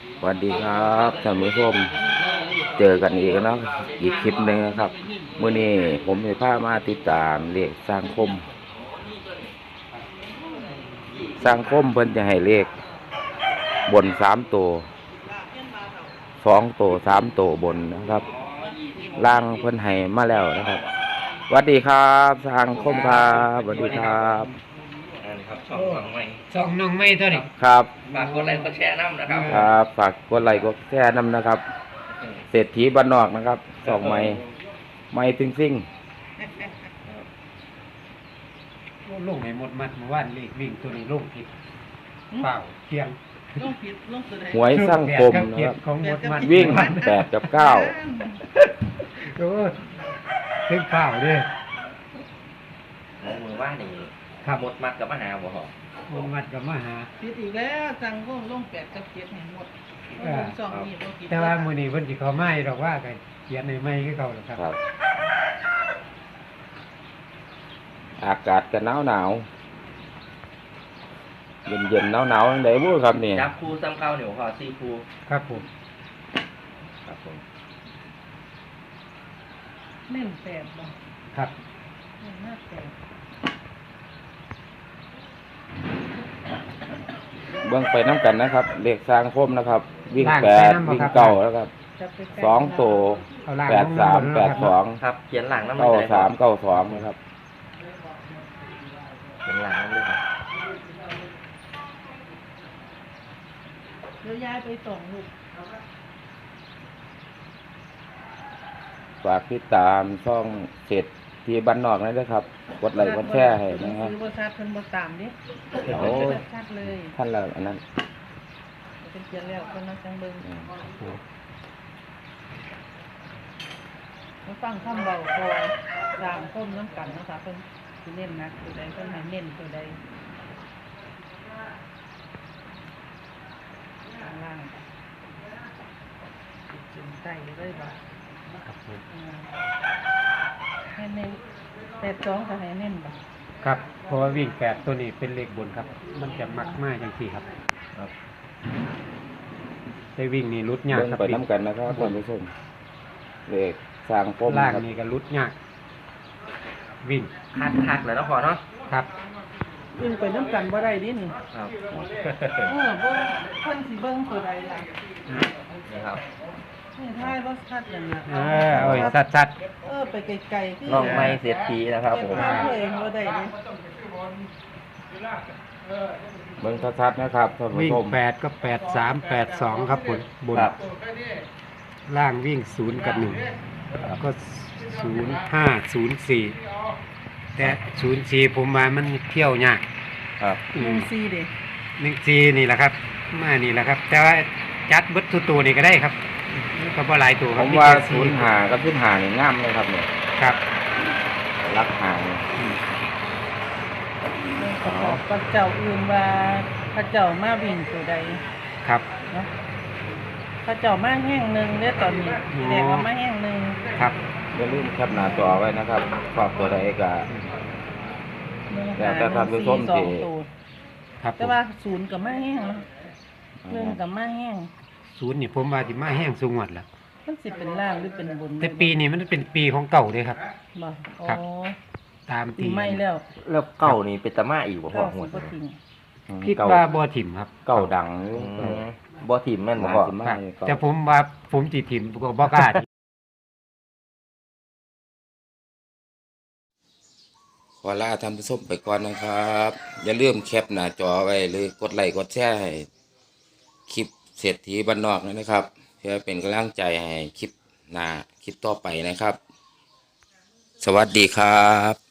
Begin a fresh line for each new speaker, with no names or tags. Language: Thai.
สวัสดีครับท่านผู้ชมเจอกันอีกแล้วอีกคลิปหนึ่งนะครับมื้อนี้ผมจะพามาติดตามเลขสร้างคมเพิ่นจะให้เลขบน3 ตัว2 ตัว3 ตัวบนนะครับล่างเพิ่นให้มาแล้วนะครับสวัสดีครับสร้างคมครับสวัสดีครับ
ครับช่องใหม่
ช่องน้องไม่เท่านี้
ครับ
ฝากกดไลค์กดแชร์น้ำนะครับ
ครับฝากกดไลค์กดแชร์นำนะครับเศรษฐีบ้านนอกนะครับช่องใหม่ซิ่ง
ลงให้หมดมัดเมื่อวานเลขวิ่งตัวนี้ลงผิดเปล่าเที่ยง
ลงผิดลงตัวใด
หวยสร้างคมนะครับ
ของหมดมัด
วิ่ง8 กับ 9
โอ้ถึงเปล่าเด้
หมอมือว่านี่
ครับ
หมดมัดกับมหาบ่หรอ
หมดมัดกับมาหา
ผิดอีกแล้วสั่งลง8 กับ 7ให้หมดสองนี่บ่ผิด
แต่ว่ามื้อนี้เพิ่นสิเข้ามาดอกว่าก็เขียนให้ใหม่คือเก่าแล้วครับ
ครับ อากาศก็หนาวเย็นหนาวได้บ่ครับนี่
จับครูซ้ำเข้าเหนียวพอซีครู
ครับผม
ครับผม
เน้น8บ่
ครับ
เน้นมาก8
เบิ่งไปน้ำกันนะครับเลขสร้างคมนะครับ วิ่ง
ล่าง
8 วิ่ง
ไปนำบ่ครับ
9แล้วครับ
จับไป
2 ตัว
เอาล่าง
8 3 8 2
ครับเขียนหลังน้ำ
9 3 9 2นะครับ
เขียนหลังน้ำเลยครับ
เดี๋ยวย้ายไปส่งลูก
ฝากติดตามช่องเศรษฐีบ้านนอกนั่นด้วยครับกดไลค์กดแชร์ให้นะครับ
ซื้อบ่ชัดเพิ่นบ่ตามดิ
โอ้ย
ชัดเลย
ท่านละอันนั้น
เป็นเขียนแล้วเพิ่นมาจังเบิ่งมาฟังคำเบาพอตามคมน้ำกันเนาะค่ะเพิ่นสิเน้นหนักตัวใดเพิ่นให้เน้นตัวใดข้างล่างจุ่มใต้เลยบ่
ครับผม
ให้เน้น82ก็ให้เน้นบ่
ครับเพราะว่าวิ่ง8ตัวนี้เป็นเลขบนครับ มันจะมักมากจังซี่ครับ
ครับ
ได้วิ่งนี่รุดยาก
เบิ่ง
ครับ
ไปน้ำกันนะครับท่านผู้ชมเลขสร้างคม
ล่าง
ครับ
นี่ก็รุดยากวิ่ง
คัดเลยเนาะพอเนาะ
ครับ
วิ่งไปน้ำกันบ่ได้ดินี่
ครับ
เบิ่งเพิ่นสิเบิ่งตัวใดล่ะ
นี่ครับ
นี่ท้ายบ่ชัดนั่นน่ะ
โอ้ยชัด
ไปไกลๆคือ
น้องไม่เสียทีนะครับผม
เก็บภาพตัวเองบ่ได้ดิ
เบิ่งชัดๆนะครับท่าน
ๆ
ผู้
วิ่ง
ชม
8ก็8 3 8 2ครับบน
ครับ
ล่างวิ่ง0กับ1ก็05 04แต่04ผมว่ามันเที่ยวยาก
ครับ
1-4เด้
14นี่แหละครับมานี่แหละครับ แต่ว่าจัดเบิดทุกตัวนี่ก็ได้ครับก็บ่หลายตัวค
ผ
รับ
มว่า
แค่
05กับ15นี่งามเลยครับเนี่ย
ครับ
รักหางเนี่ย
กับเจ้าอื่นว่าพระเจ้ามาวิ่งตัวใด
ครับ
เนาะพระเจ้ามาแห้งหนึงเด้อตอนนี้แสดงว่ามาแห้งหนึง
ครับ
อย่าลืมแคปหน้าจอไว้นะครับชอบตัวใดก็ แต่ท่านผู้ชมสิ
1-5-1-4-2ตัว
ครับผ
แต่
ม
ว่า0ก็มาแห้งเนาะ1ก็มาแห้ง
0นี่ผมว่าสิมาแห้งสูงหมดแล้ว
มันสิเป็นล่างหรือเป็นบน
แต่ปีนี้มันเป็นปีของเก่าเด้ครับ
บ่อ๋อ
ครับ ตาม
ปี
ที่
ใหม่แล้ว
แล้วเก่านี่เป็นตะมาอีกบ่พอ
เก้า
หม
สิ
ด
บ่ทิ้ง
คิดว่าบ่ถิ่มครับ
เก่าดัง
บ่ทีมแม่นบ่
น่า
พอ
สิมา
ครับ
เก่า
แต่ผมว่าผมสิถิ่มก็บ่กล้า
ขอลาท่านผู้ชมไปก่อนนะครับ อย่าลืมแคปหน้าจอไว้หรือกดไลค์กดแชร์ให้คลิปเศรษฐีบ้านนอกนะครับ เพื่อเป็นกำลังใจให้คลิปหน้าคลิปต่อไปนะครับ สวัสดีครับ